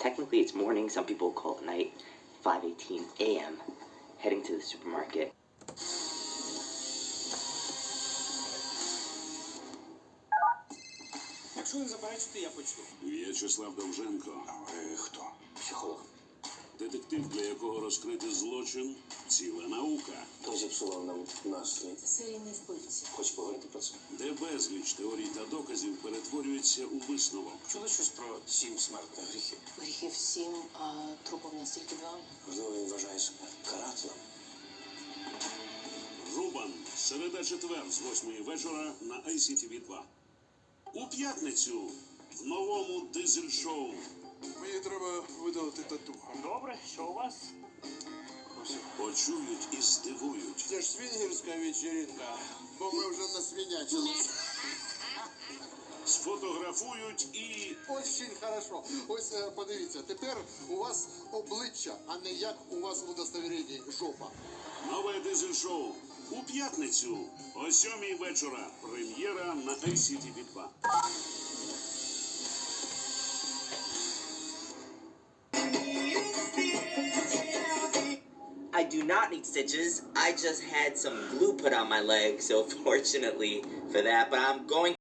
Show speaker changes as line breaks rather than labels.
Technically, it's morning. Some people call it night. 5:18 a.m. Heading to the supermarket.
Якщо не заперечите, я почну.
В'ячеслав Довженко.
А ви хто? Психолог.
Детектив, для якого розкрити злочин – ціла наука.
Хто зіпсував нам настрій?
Серійний вбивці.
Хоч поговорити про це?
Де безліч теорій та доказів перетворюється у висновок.
Чули щось про 7 смертних гріхів?
Гріхів 7, а трупів настільки 2.
Можливо, він вважає себе карателем.
Рубан. Середа-четвер з 8 вечора на ICTV 2. У п'ятницю в новому дизель-шоу.
Мені треба видалити тату.
Добре, що у вас?
Почують і здивують.
Це ж свінгерська вечеринка, бо ми вже насвинячились.
Сфотографують і
Очень хорошо. Ось подивіться, тепер у вас обличчя, а не як у вас у удостовіренні жопа.
нове дизель-шоу. У п'ятницю о 7 вечора. Прем'єра на ICTV 2.
I do not need stitches. I just had some glue put on my leg, so fortunately for that, but I'm going